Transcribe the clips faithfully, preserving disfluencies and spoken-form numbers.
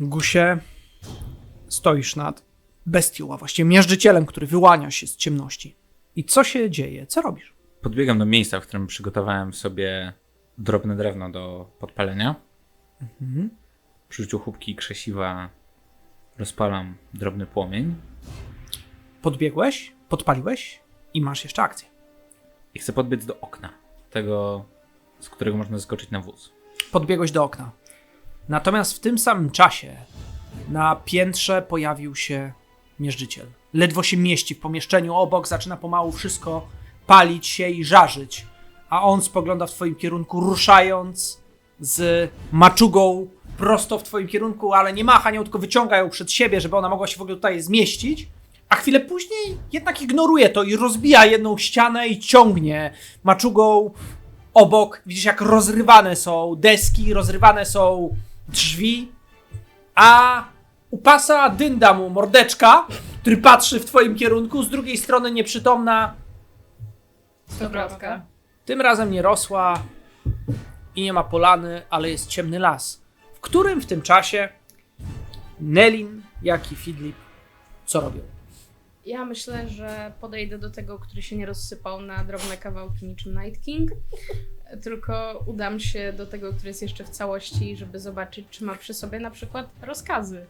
Gusie, stoisz nad bestią, a właściwie miażdżycielem, który wyłania się z ciemności. I co się dzieje? Co robisz? Podbiegam do miejsca, w którym przygotowałem sobie drobne drewno do podpalenia. Mhm. Przy użyciu chubki i krzesiwa rozpalam drobny płomień. Podbiegłeś, podpaliłeś i masz jeszcze akcję. I chcę podbiec do okna, tego, z którego można zeskoczyć na wóz. Podbiegłeś do okna. Natomiast w tym samym czasie na piętrze pojawił się mierzyciel. Ledwo się mieści w pomieszczeniu obok, zaczyna pomału wszystko palić się i żarzyć. A on spogląda w twoim kierunku, ruszając z maczugą prosto w twoim kierunku, ale nie macha nią, tylko wyciąga ją przed siebie, żeby ona mogła się w ogóle tutaj zmieścić. A chwilę później jednak ignoruje to i rozbija jedną ścianę i ciągnie maczugą obok. Widzisz, jak rozrywane są deski, rozrywane są drzwi, a u pasa dynda mu mordeczka, który patrzy w twoim kierunku, z drugiej strony nieprzytomna Stokrotka. tym razem nie rosła i nie ma polany, ale jest ciemny las, w którym w tym czasie Nelin, jak i Fidlip co robią? Ja myślę, że podejdę do tego, który się nie rozsypał na drobne kawałki niczym Night King, tylko udam się do tego, który jest jeszcze w całości, żeby zobaczyć, czy ma przy sobie na przykład rozkazy.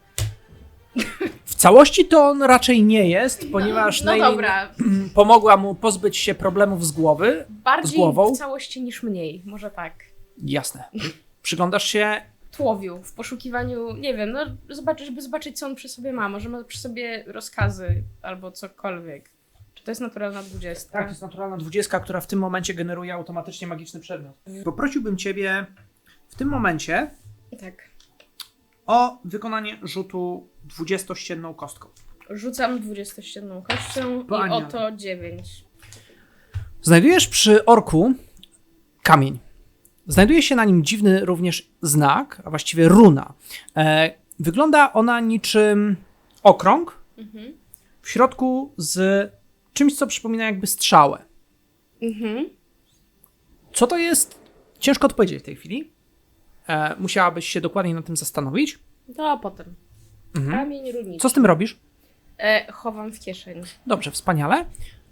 W całości to on raczej nie jest, ponieważ No, no Nelin dobra, pomogła mu pozbyć się problemów z głowy. bardziej z głową? w całości niż mniej, może tak. Jasne. Przyglądasz się. Tłowiu, w poszukiwaniu, nie wiem, no zobaczyć, żeby zobaczyć, co on przy sobie ma. Może ma przy sobie rozkazy albo cokolwiek. Czy to jest naturalna dwudziestka? Tak, to jest naturalna dwudziestka, która w tym momencie generuje automatycznie magiczny przedmiot. Poprosiłbym ciebie w tym momencie Tak. o wykonanie rzutu dwudziestościenną kostką. Rzucam dwudziestościenną kością Pania. i oto dziewięć. Znajdujesz przy orku kamień. Znajduje się na nim dziwny również znak, a właściwie runa. E, wygląda ona niczym okrąg, Mhm. w środku z czymś, co przypomina jakby strzałę. Mhm. Co to jest? Ciężko odpowiedzieć w tej chwili. E, musiałabyś się dokładnie nad tym zastanowić. To a potem. Mhm. Kamień runiczy. Co z tym robisz? E, chowam w kieszeni. Dobrze, wspaniale.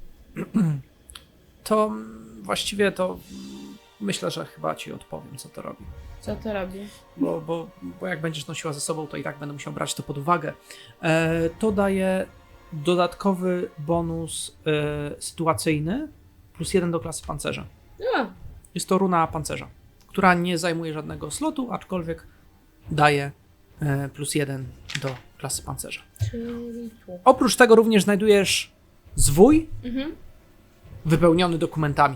To mm, właściwie to mm, myślę, że chyba ci odpowiem, co to robi. Co to robi? Bo, bo, bo jak będziesz nosiła ze sobą, to i tak będę musiał brać to pod uwagę. E, to daje dodatkowy bonus e, sytuacyjny plus jeden do klasy pancerza. A, Jest to runa pancerza, która nie zajmuje żadnego slotu, aczkolwiek daje e, plus jeden do klasy pancerza. czyli tu. Oprócz tego również znajdujesz zwój Mhm. wypełniony dokumentami.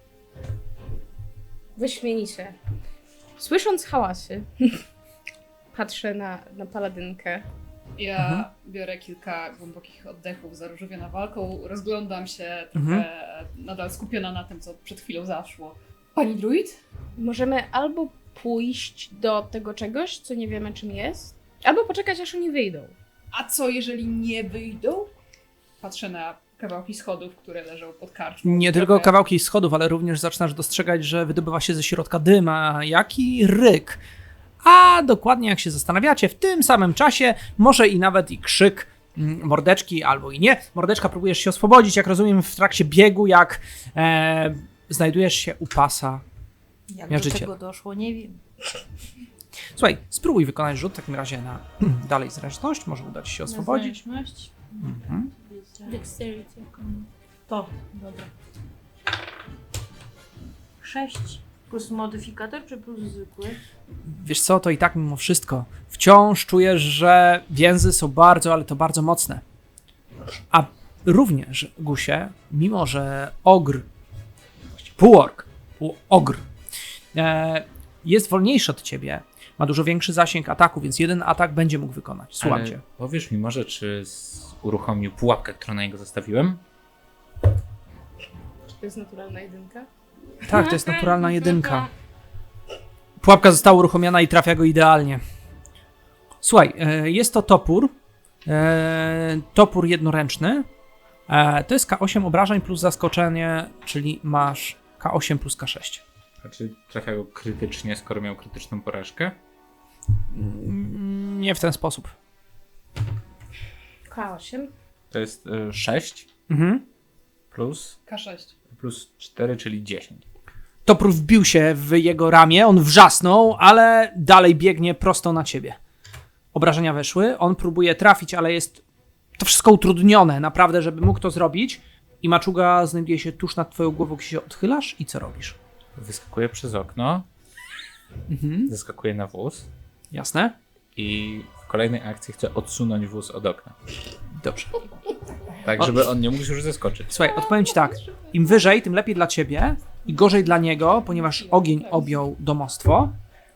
Wyśmienicie. Słysząc hałasy, patrzę na, na paladynkę. Ja Mhm. biorę kilka głębokich oddechów zaróżowiona walką, rozglądam się trochę Mhm. nadal skupiona na tym, co przed chwilą zaszło. Pani druid? Możemy albo pójść do tego czegoś, co nie wiemy czym jest, albo poczekać aż oni wyjdą. A co jeżeli nie wyjdą? Patrzę na kawałki schodów, które leżą pod karczmą. Nie tylko Trochę- kawałki schodów, ale również zaczynasz dostrzegać, że wydobywa się ze środka dym, a jaki ryk. A dokładnie jak się zastanawiacie, w tym samym czasie może i nawet i krzyk mm, mordeczki albo i nie. Mordeczka, próbujesz się oswobodzić, jak rozumiem, w trakcie biegu, jak e, znajdujesz się u pasa. Jak Miażdżyciel. do tego doszło, nie wiem. Słuchaj, spróbuj wykonać rzut w takim razie na dalej zręczność, może uda ci się oswobodzić. Na zręczność? Mhm. Dexterity. jako- To, dobra. sześć plus modyfikator, czy plus zwykły? Wiesz co, to i tak mimo wszystko wciąż czujesz, że więzy są bardzo, ale to bardzo mocne. A również, Gusie, mimo że ogr, właściwie półork, półogr, e, jest wolniejszy od ciebie, ma dużo większy zasięg ataku, więc jeden atak będzie mógł wykonać. Słucham Ale cię. powiesz mi może, czy z... uruchomił pułapkę, którą na niego zastawiłem? Czy to jest naturalna jedynka? Tak, to jest naturalna jedynka. Pułapka została uruchomiona i trafia go idealnie. Słuchaj, e, jest to topór. E, topór jednoręczny. E, to jest K osiem obrażeń plus zaskoczenie, czyli masz K osiem plus K sześć. Znaczy trafia go krytycznie, skoro miał krytyczną porażkę? Mm, Nie w ten sposób. K osiem. To jest y, sześć Mhm. plus, K sześć. plus cztery, czyli dziesięć. Topór wbił się w jego ramię, on wrzasnął, ale dalej biegnie prosto na ciebie. Obrażenia weszły, on próbuje trafić, ale jest to wszystko utrudnione, naprawdę, żeby mógł to zrobić. I maczuga znajduje się tuż nad twoją głową, kiedy się odchylasz i co robisz? Wyskakuję przez okno, Mhm. zeskakuję na wóz Jasne? i w kolejnej akcji chcę odsunąć wóz od okna. Dobrze. Tak, żeby on nie mógł już zeskoczyć. Słuchaj, odpowiem ci tak. Im wyżej, tym lepiej dla ciebie i gorzej dla niego, ponieważ ogień objął domostwo.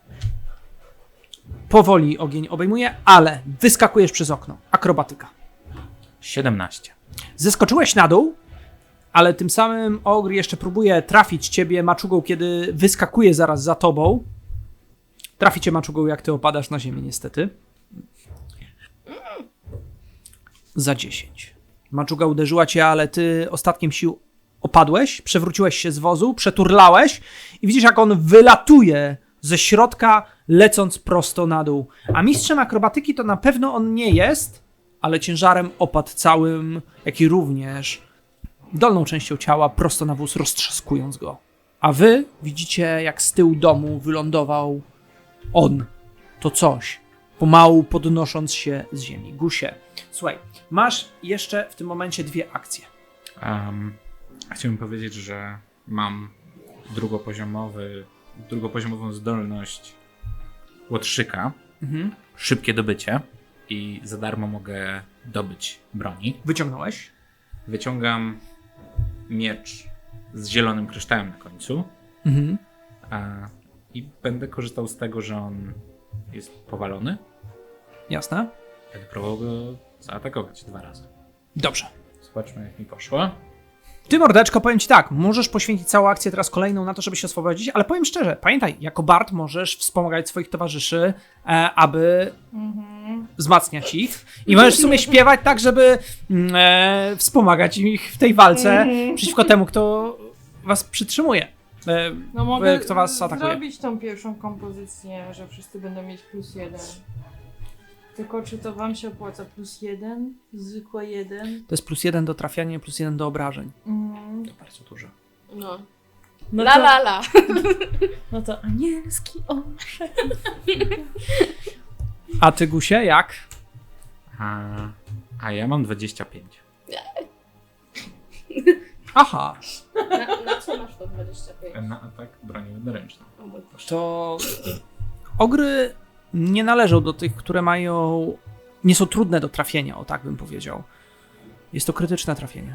Powoli ogień obejmuje, ale wyskakujesz przez okno. Akrobatyka. siedemnaście. Zeskoczyłeś na dół, ale tym samym ogr jeszcze próbuje trafić ciebie maczugą, kiedy wyskakuje zaraz za tobą. Trafi cię maczugą, jak ty opadasz na ziemię, niestety. Za dziesięć. Maczuga uderzyła cię, ale ty ostatkiem sił opadłeś, przewróciłeś się z wozu, przeturlałeś i widzisz, jak on wylatuje ze środka, lecąc prosto na dół. A mistrzem akrobatyki to na pewno on nie jest, ale ciężarem opadł całym, jak i również dolną częścią ciała prosto na wóz, roztrzaskując go. A wy widzicie, jak z tyłu domu wylądował on, to coś, pomału podnosząc się z ziemi. Gusie, słuchaj, masz jeszcze w tym momencie dwie akcje. Um, chciałbym powiedzieć, że mam drugopoziomowy, drugopoziomową zdolność łotrzyka, Mhm. szybkie dobycie i za darmo mogę dobyć broni. Wyciągnąłeś? Wyciągam miecz z zielonym kryształem na końcu Mhm. a, i będę korzystał z tego, że on jest powalony. Jasne. Będę próbował go zaatakować dwa razy. Dobrze. Zobaczmy, jak mi poszło. Ty, mordeczko, powiem ci tak, możesz poświęcić całą akcję teraz kolejną na to, żeby się oswobodzić, ale powiem szczerze, pamiętaj, jako bard możesz wspomagać swoich towarzyszy, e, aby wzmacniać ich i możesz w sumie śpiewać tak, żeby mm, e, wspomagać ich w tej walce przeciwko temu, kto was przytrzymuje. E, No mogę kto was atakuje. zrobić tą pierwszą kompozycję, że wszyscy będą mieć plus jeden. Tylko czy to wam się opłaca plus jeden? Zwykłe jeden? To jest plus jeden do trafiania, plus jeden do obrażeń. Mm. To bardzo dużo. No. No La to, la la. no to anielski orszak. A ty, Gusie, jak? A, a ja mam dwadzieścia pięć. Aha, Na, na co masz to dwadzieścia pięć? Na atak broni jednoręczną. O mój Boże. to ogry nie należą do tych, które mają, nie są trudne do trafienia, o tak bym powiedział. Jest to krytyczne trafienie.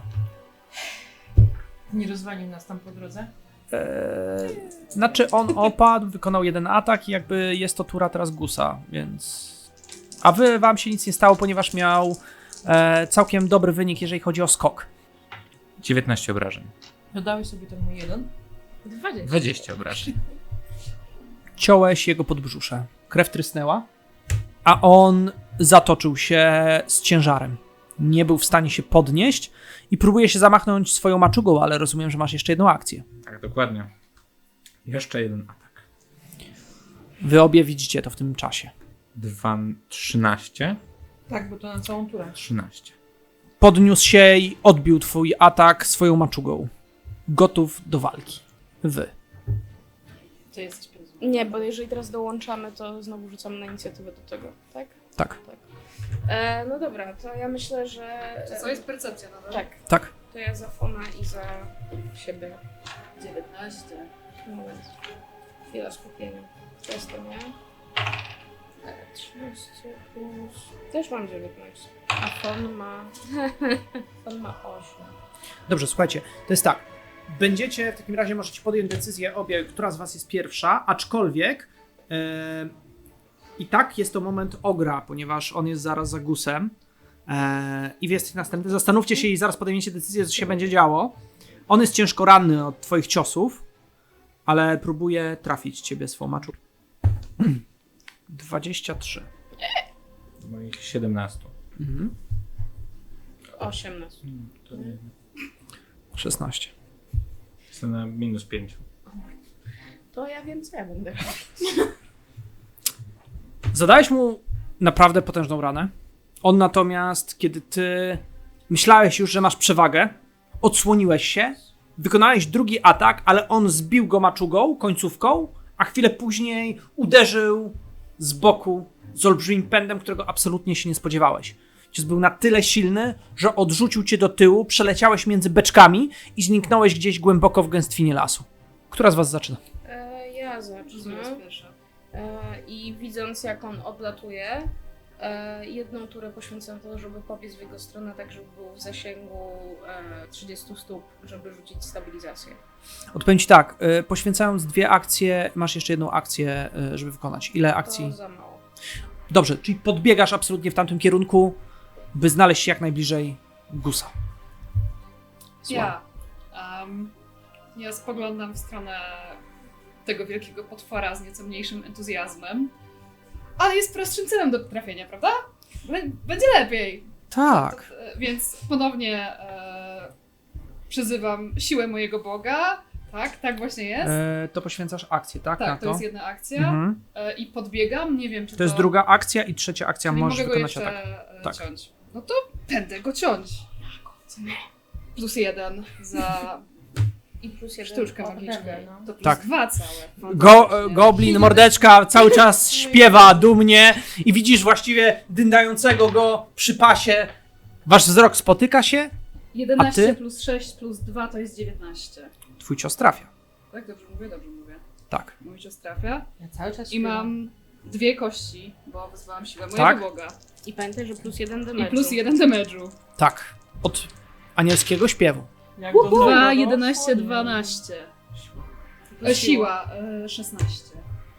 Nie rozwalił nas tam po drodze? Eee, znaczy on opadł, wykonał jeden atak i jakby jest to tura teraz Gusa, więc... A wy, wam się nic nie stało, ponieważ miał e, całkiem dobry wynik, jeżeli chodzi o skok. dziewiętnaście obrażeń. Dodałeś sobie ten mój jeden? dwadzieścia. dwadzieścia obrażeń. Ciąłeś jego podbrzusze. Krew trysnęła, a on zatoczył się z ciężarem. Nie był w stanie się podnieść i próbuje się zamachnąć swoją maczugą, ale rozumiem, że masz jeszcze jedną akcję. Tak, dokładnie. Jeszcze jeden atak. Wy obie widzicie to w tym czasie. Dwa, trzynaście. Tak, bo to na całą turę. trzynaście. Podniósł się i odbił twój atak swoją maczugą. Gotów do walki. Wy. Ty jesteś prezent. Nie, bo jeżeli teraz dołączamy, to znowu rzucamy na inicjatywę do tego, tak? Tak. Tak. E, no dobra, to ja myślę, że... Co jest percepcja nadal? Tak, Tak. to ja za Fona i za siebie. dziewiętnaście. Moment. Chwila skupienia. To jest to, nie? E, trzynaście plus... Też mam dziewiętnaście. A Fon ma... Fon ma osiem. Dobrze, słuchajcie, to jest tak. Będziecie, w takim razie możecie podjąć decyzję obie, która z was jest pierwsza, aczkolwiek e, i tak jest to moment ogra, ponieważ on jest zaraz za Gusem e, i wy jesteście następny. Zastanówcie się i zaraz podejmiecie decyzję, co się będzie działo. On jest ciężko ranny od twoich ciosów, ale próbuje trafić ciebie swą maczugą. dwadzieścia trzy. Moich siedemnaście. Mhm. osiemnaście. To nie. szesnaście. Jestem na minus pięć. To ja wiem, co ja będę. Zadałeś mu naprawdę potężną ranę. On natomiast, kiedy ty myślałeś już, że masz przewagę, odsłoniłeś się, wykonałeś drugi atak, ale on zbił go maczugą, końcówką, a chwilę później uderzył z boku z olbrzymim pędem, którego absolutnie się nie spodziewałeś. Cios był na tyle silny, że odrzucił cię do tyłu, przeleciałeś między beczkami i zniknąłeś gdzieś głęboko w gęstwinie lasu. Która z was zaczyna? E, ja Zuza zacznę. jest pierwsza. E, I widząc, jak on odlatuje, e, jedną turę poświęcam to, żeby pobiec w jego stronę, tak żeby był w zasięgu e, trzydziestu stóp, żeby rzucić stabilizację. Odpowiem ci tak, y, poświęcając dwie akcje, masz jeszcze jedną akcję, y, żeby wykonać. Ile akcji? To za mało. Dobrze, czyli podbiegasz absolutnie w tamtym kierunku, by znaleźć się jak najbliżej Gusa. Ja. Um, ja spoglądam w stronę tego wielkiego potwora z nieco mniejszym entuzjazmem. Ale jest prostszym celem do trafienia, prawda? Bę- Będzie lepiej. Tak. E, Więc ponownie e, przyzywam siłę mojego Boga. Tak, tak właśnie jest. E, to poświęcasz akcję, tak? na tak, to jest jedna akcja. Mhm. E, I podbiegam, nie wiem czy to... To jest druga akcja i trzecia akcja, Czyli możesz mogę go wykonać jeszcze atak. e, Tak. ciąć. No to będę go ciąć. Plus jeden za I plus jeden. sztuczkę od magiczną. tego, no. To plus Tak. dwa całe. Go, e, Fantastycznie. goblin, mordeczka cały czas śpiewa dumnie i widzisz właściwie dyndającego go przy pasie. Wasz wzrok spotyka się, jedenaście A ty? plus sześć plus dwa to jest dziewiętnaście. twój cios trafia. Tak, dobrze mówię? Dobrze mówię. Tak. Mój cios trafia. Ja cały czas I mam dwie kości, bo wyzwałam siłę mojego Tak? Boga. I pamiętaj, że plus jeden I damage'u. plus jeden damage'u. Tak. Od anielskiego śpiewu. Jak do dwa, tego jedenaście, doszło, nie. dwanaście. Plus E, Siła e, szesnaście.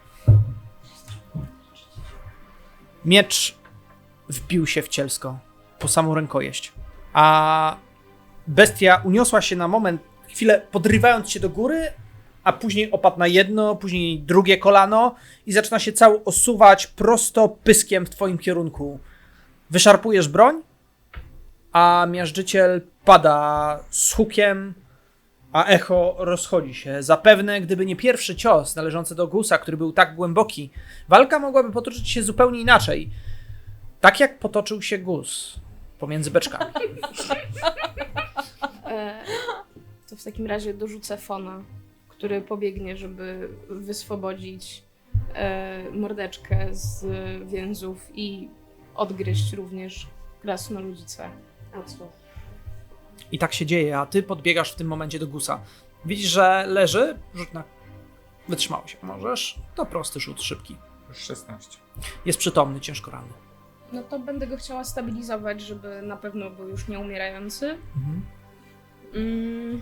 Miecz wbił się w cielsko po samą rękojeść, a bestia uniosła się na moment, chwilę podrywając się do góry, a później opadł na jedno, później drugie kolano i zaczyna się cały osuwać prosto pyskiem w twoim kierunku. Wyszarpujesz broń, a miażdżyciel pada z hukiem, a echo rozchodzi się. Zapewne, gdyby nie pierwszy cios należący do Gusa, który był tak głęboki, walka mogłaby potoczyć się zupełnie inaczej. Tak jak potoczył się Gus pomiędzy beczkami. E, to w takim razie dorzucę Fona, który pobiegnie, żeby wyswobodzić e, mordeczkę z więzów i odgryźć również krasnoludzicę. Oczu. I tak się dzieje, a ty podbiegasz w tym momencie do Gusa. Widzisz, że leży, rzut na wytrzymałość. Możesz? To prosty rzut, szybki. Już szesnaście. Jest przytomny, ciężko ranny. No to będę go chciała stabilizować, żeby na pewno był już nieumierający. Mhm. Mm.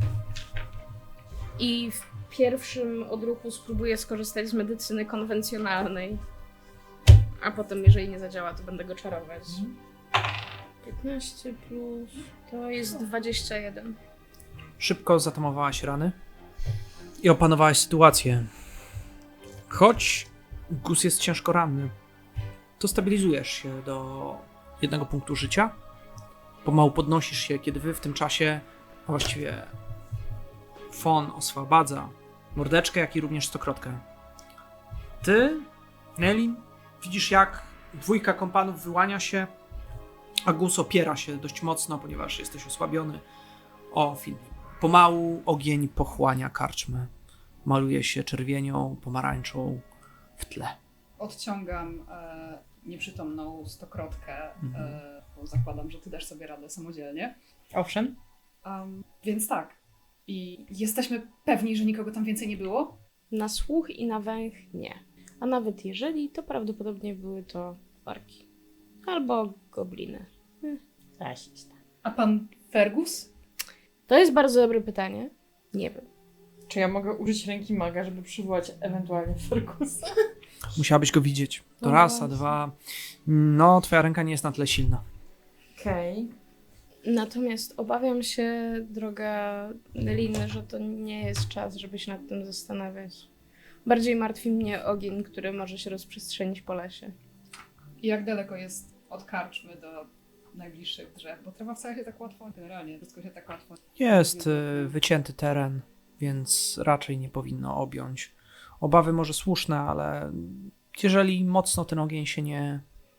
I w pierwszym odruchu spróbuję skorzystać z medycyny konwencjonalnej. A potem, jeżeli nie zadziała, to będę go czarować. piętnaście plus... to jest dwadzieścia jeden. Szybko zatamowałaś rany i opanowałaś sytuację. Choć Gus jest ciężko ranny, to stabilizujesz się do jednego punktu życia. Pomału podnosisz się, kiedy wy w tym czasie, a właściwie Fon oswabadza mordeczkę, jak i również stokrotkę. Ty, Nelly, widzisz, jak dwójka kompanów wyłania się, a Gus opiera się dość mocno, ponieważ jesteś osłabiony. O, Filip. Pomału ogień pochłania karczmę. Maluje się czerwienią, pomarańczą w tle. Odciągam e, nieprzytomną stokrotkę, Mhm. e, bo zakładam, że ty dasz sobie radę samodzielnie. Owszem. Um, więc tak. I jesteśmy pewni, że nikogo tam więcej nie było? Na słuch i na węch nie. A nawet jeżeli, to prawdopodobnie były to orki. Albo gobliny. Hm, rasista. A pan Fergus? To jest bardzo dobre pytanie. Nie wiem. Czy ja mogę użyć ręki maga, żeby przywołać ewentualnie Fergusa? Musiałabyś go widzieć. To No raz, a właśnie. dwa. No, twoja ręka nie jest na tyle silna. Okej. Natomiast obawiam się, droga Neliny, że to nie jest czas, żeby się nad tym zastanawiać. Bardziej martwi mnie ogień, który może się rozprzestrzenić po lesie. I jak daleko jest od karczmy do najbliższych drzew? Bo trawa wcale się tak łatwo, generalnie wszystko się tak łatwo... Jest y, wycięty teren, więc raczej nie powinno objąć. Obawy może słuszne, ale jeżeli mocno ten ogień się nie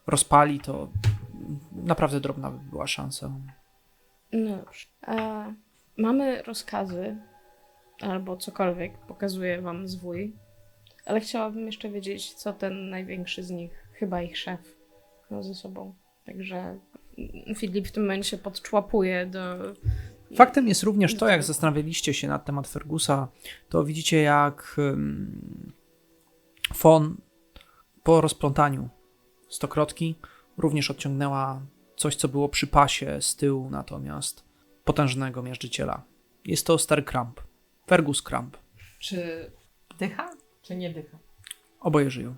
rozpali, to naprawdę drobna by była szansa. No dobrze. E, mamy rozkazy, albo cokolwiek, pokazuje wam zwój, ale chciałabym jeszcze wiedzieć, co ten największy z nich, chyba ich szef, miał ze sobą. Także Filip w tym momencie podczłapuje do... Faktem jest również to, jak zastanawialiście się na temat Fergusa, to widzicie, jak um, Fon po rozplątaniu stokrotki również odciągnęła coś, co było przy pasie z tyłu, natomiast potężnego miażdżyciela. Jest to stary Kramp. Fergus Kramp. Czy Dycha? Czy nie dycha? Oboje żyją.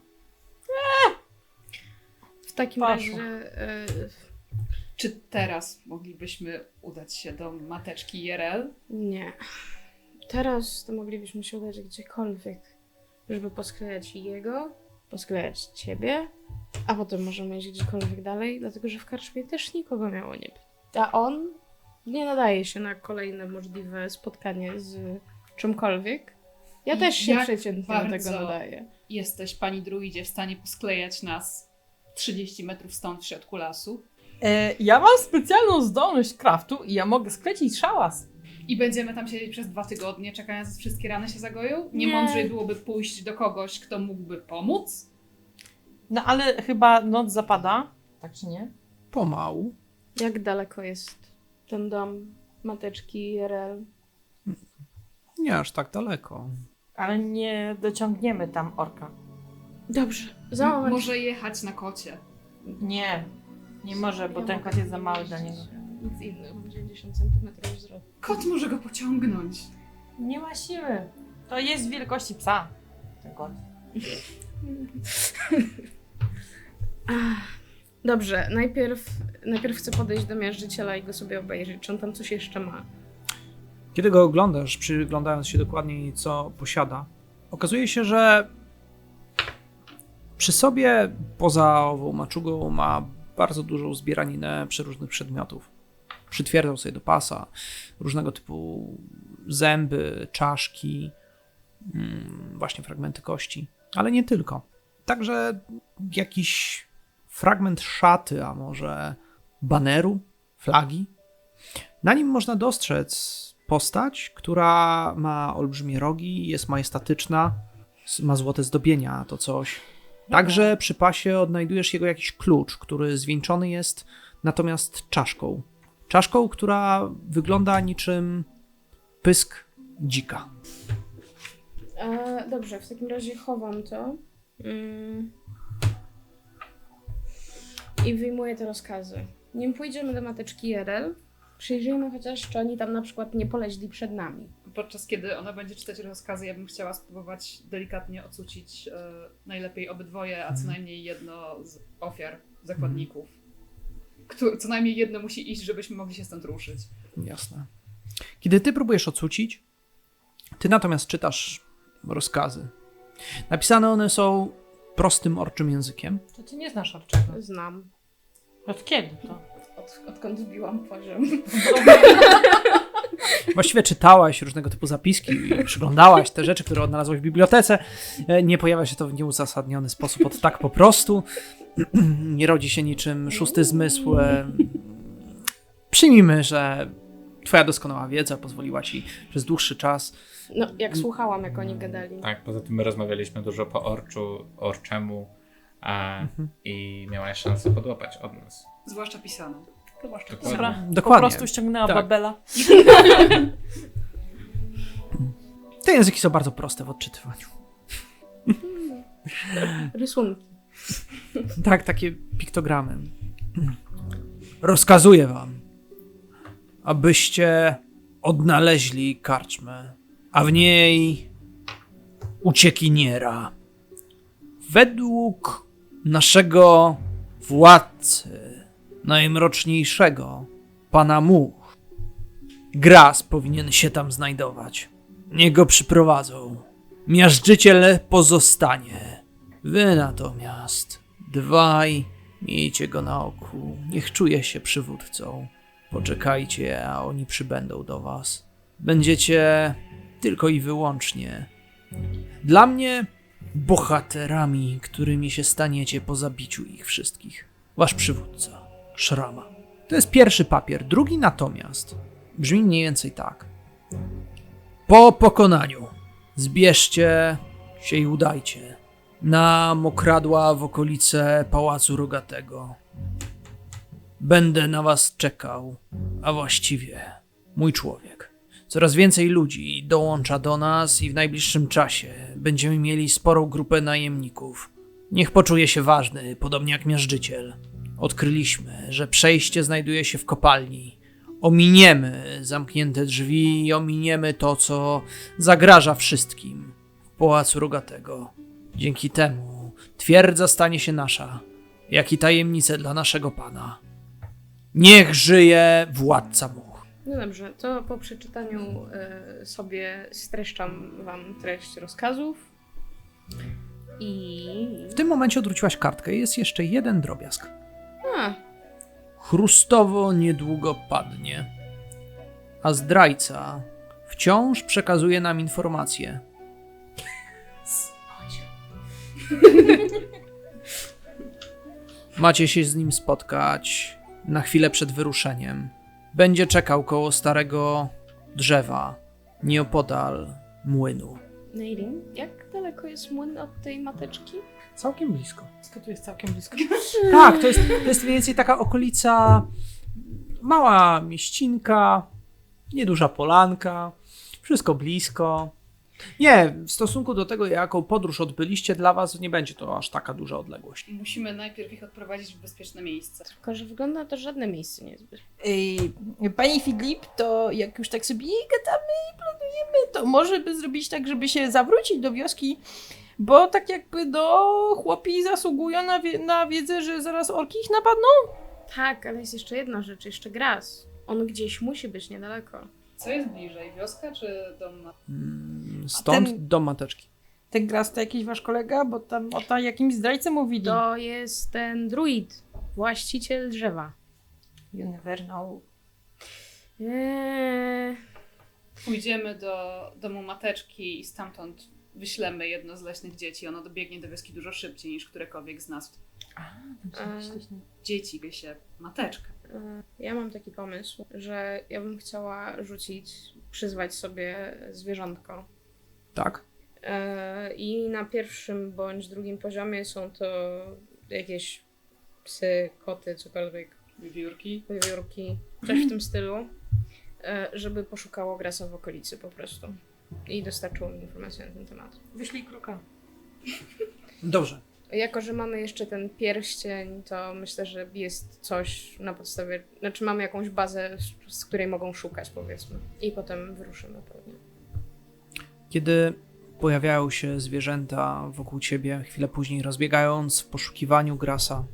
W takim Poszło. razie... E, Czy teraz moglibyśmy udać się do mateczki I R L? nie. Teraz to moglibyśmy się udać gdziekolwiek, żeby posklejać jego, posklejać ciebie, a potem możemy iść gdziekolwiek dalej, dlatego że w karczmie też nikogo miało nie być. A on nie nadaje się na kolejne możliwe spotkanie z czymkolwiek. Ja I też się jak przeciętnie do bardzo- tego nadaję. Jesteś, pani druidzie, w stanie posklejać nas trzydzieści metrów stąd w środku lasu? E, ja mam specjalną zdolność craftu i ja mogę sklecić szałas. I będziemy tam siedzieć przez dwa tygodnie, czekając, aż wszystkie rany się zagoją? Nie, Nie. mądrzej byłoby pójść do kogoś, kto mógłby pomóc? No ale chyba noc zapada, tak czy nie? Pomału. Jak daleko jest ten dom mateczki I R L? Nie aż tak daleko. Ale nie dociągniemy tam orka. Dobrze, za M- moment. Może jechać na kocie. Nie, nie może, bo Ja ten mogę kot jest za nie mały dla mieścić. niego. Nic innego, mam dziewięćdziesiąt centymetrów wzrostu. Kot może go pociągnąć. Nie ma siły. To jest wielkości psa. Ten kot. Dobrze, najpierw, najpierw chcę podejść do miażdżyciela i go sobie obejrzeć, czy on tam coś jeszcze ma. Kiedy go oglądasz, przyglądając się dokładniej, co posiada, okazuje się, że przy sobie, poza ową maczugą, ma bardzo dużą zbieraninę przeróżnych przedmiotów. Przytwierdzał sobie do pasa różnego typu zęby, czaszki, mm, właśnie fragmenty kości, ale nie tylko. Także jakiś fragment szaty, a może baneru, flagi. Na nim można dostrzec postać, która ma olbrzymie rogi, jest majestatyczna, s- ma złote zdobienia, to coś. Także przy pasie odnajdujesz jego jakiś klucz, który zwieńczony jest natomiast czaszką. Czaszką, która wygląda niczym pysk dzika. E, dobrze, w takim razie chowam to. Mm. I wyjmuję te rozkazy. Nim pójdziemy do mateczki I R L, przyjrzyjmy chociaż, czy oni tam na przykład nie poleźli przed nami. Podczas kiedy ona będzie czytać rozkazy, ja bym chciała spróbować delikatnie ocucić e, najlepiej obydwoje, a co najmniej jedno z ofiar, zakładników. Któ- co najmniej jedno musi iść, żebyśmy mogli się stąd ruszyć. Jasne. Kiedy ty próbujesz ocucić, ty natomiast czytasz rozkazy. Napisane one są prostym orczym językiem. To ty nie znasz orczego. Znam. Od kiedy to? Od, odkąd wbiłam poziom. Właściwie czytałaś różnego typu zapiski i przyglądałaś te rzeczy, które odnalazłaś w bibliotece. E, Nie pojawia się to w nieuzasadniony sposób od tak po prostu. Nie rodzi się niczym szósty zmysł. E, Przyjmijmy, że twoja doskonała wiedza pozwoliła ci przez dłuższy czas. No, jak słuchałam, jak oni gadali. Tak, poza tym my rozmawialiśmy dużo po orczu, orczemu a, Mhm. i miałaś szansę podłapać od nas. Zwłaszcza pisaną. Zwłaszcza Dokładnie. pisaną. Dobra, Dokładnie. po prostu ściągnęła Tak. Babela. Te języki są bardzo proste w odczytywaniu. Rysunki. Tak, takie piktogramy. Rozkazuję wam, abyście odnaleźli karczmę, a w niej uciekiniera. Według naszego władcy, najmroczniejszego, pana Much, Gras powinien się tam znajdować. Niech go przyprowadzą. Miażdżyciel pozostanie. Wy natomiast, dwaj, miejcie go na oku. Niech czuje się przywódcą. Poczekajcie, a oni przybędą do was. Będziecie tylko i wyłącznie dla mnie bohaterami, którymi się staniecie po zabiciu ich wszystkich. wasz przywódca, Szrama. To jest pierwszy papier. Drugi natomiast brzmi mniej więcej tak. Po pokonaniu zbierzcie się i udajcie na mokradła w okolice Pałacu Rogatego. Będę na was czekał, a właściwie mój człowiek. Coraz więcej ludzi dołącza do nas i w najbliższym czasie będziemy mieli sporą grupę najemników. Niech poczuje się ważny, podobnie jak miażdżyciel. Odkryliśmy, że przejście znajduje się w kopalni. Ominiemy zamknięte drzwi i ominiemy to, co zagraża wszystkim w Pałacu Rogatego. Dzięki temu twierdza stanie się nasza, jak i tajemnice dla naszego pana. Niech żyje władca much. No dobrze, to po przeczytaniu y, sobie streszczam wam treść rozkazów. I... W tym momencie odwróciłaś kartkę i jest jeszcze jeden drobiazg. A, Chrustowo niedługo padnie, a zdrajca wciąż przekazuje nam informacje. Macie się z nim spotkać na chwilę przed wyruszeniem. Będzie czekał koło starego drzewa, nieopodal młynu. Neirin, jak daleko jest młyn od tej mateczki? Całkiem blisko. To tu jest całkiem blisko. Tak, to jest, to jest mniej więcej taka okolica, mała mieścinka, nieduża polanka, wszystko blisko. Nie, w stosunku do tego, jaką podróż odbyliście, dla was nie będzie to aż taka duża odległość. Musimy najpierw ich odprowadzić w bezpieczne miejsce. Tylko, że wygląda to, że żadne miejsce nie jest bezpieczne. Ej, Pani Filip, to jak już tak sobie gadamy i planujemy, to może by zrobić tak, żeby się zawrócić do wioski, bo tak jakby do chłopi zasługują na, wie- na wiedzę, że zaraz orki ich napadną. Tak, ale jest jeszcze jedna rzecz, jeszcze Gras. On gdzieś musi być niedaleko. Co jest bliżej, wioska czy dom? ma- Mm, Stąd ten- do mateczki. Ten Gras to jakiś wasz kolega, bo tam o ta jakimś zdrajcy mówili. To jest ten druid, właściciel drzewa. You never know. Eee, Pójdziemy do domu mateczki i stamtąd wyślemy jedno z leśnych dzieci. Ono dobiegnie do wioski dużo szybciej niż którekolwiek z nas. Dzieci wie się mateczka. e, ja mam taki pomysł, że ja bym chciała rzucić, przyzwać sobie zwierzątko. Tak? E, I na pierwszym bądź drugim poziomie są to jakieś psy, koty, cokolwiek, Wiewiórki. wiewiórki, coś w tym stylu, e, żeby poszukało Grasa w okolicy po prostu. I dostarczyło mi informacje na ten temat. Wyszli kruka. Dobrze. Jako, że mamy jeszcze ten pierścień, to myślę, że jest coś na podstawie, znaczy mamy jakąś bazę, z, z której mogą szukać, powiedzmy. I potem wyruszymy pewnie. Kiedy pojawiają się zwierzęta wokół ciebie, chwilę później rozbiegając w poszukiwaniu Grasa,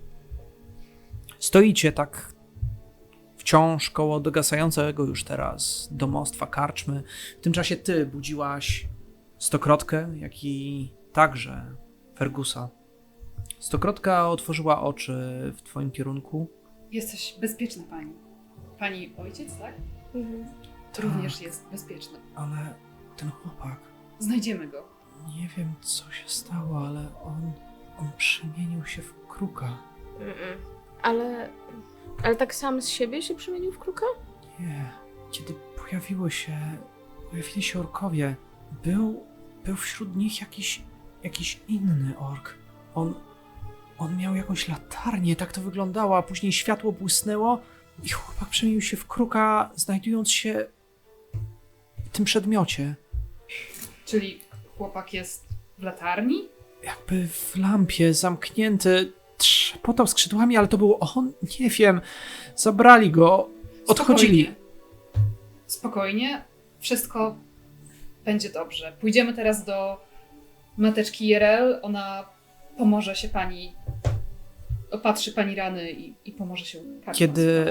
stoicie tak wciąż koło dogasającego już teraz domostwa karczmy. W tym czasie ty budziłaś Stokrotkę, jak i także Fergusa. Stokrotka otworzyła oczy w twoim kierunku. Jesteś bezpieczna pani. Pani ojciec, tak? Mhm. Tak. Również jest bezpieczny. Ale ten chłopak, Znajdziemy go. nie wiem co się stało, ale on, on przemienił się w kruka. Mm-mm. Ale, ale tak sam z siebie się przemienił w kruka? Nie. Kiedy pojawiło się, pojawili się orkowie, był, był wśród nich jakiś, jakiś inny ork. On, on miał jakąś latarnię, tak to wyglądało, a później światło błysnęło i chłopak przemienił się w kruka, znajdując się w tym przedmiocie. Czyli chłopak jest w latarni? Jakby w lampie, zamknięty, trzepotał skrzydłami, ale to był on, nie wiem, zabrali go, odchodzili. Spokojnie. Spokojnie. Wszystko będzie dobrze. Pójdziemy teraz do mateczki Jerel. Ona pomoże się pani, opatrzy pani rany i, i pomoże się karmić. Kiedy-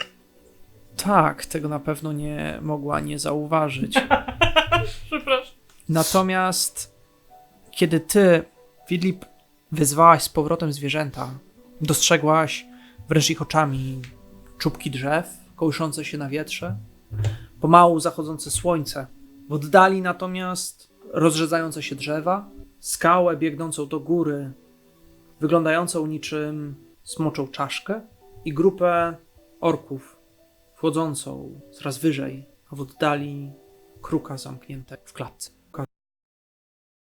Tak, tego na pewno nie mogła nie zauważyć. Przepraszam. Natomiast kiedy ty, Filip, wyzwałaś z powrotem zwierzęta, dostrzegłaś wręcz ich oczami czubki drzew kołyszące się na wietrze, pomału zachodzące słońce, w oddali natomiast rozrzedzające się drzewa, skałę biegnącą do góry, wyglądającą niczym smoczą czaszkę i grupę orków wchodzącą coraz wyżej, a w oddali kruka zamknięte w klatce.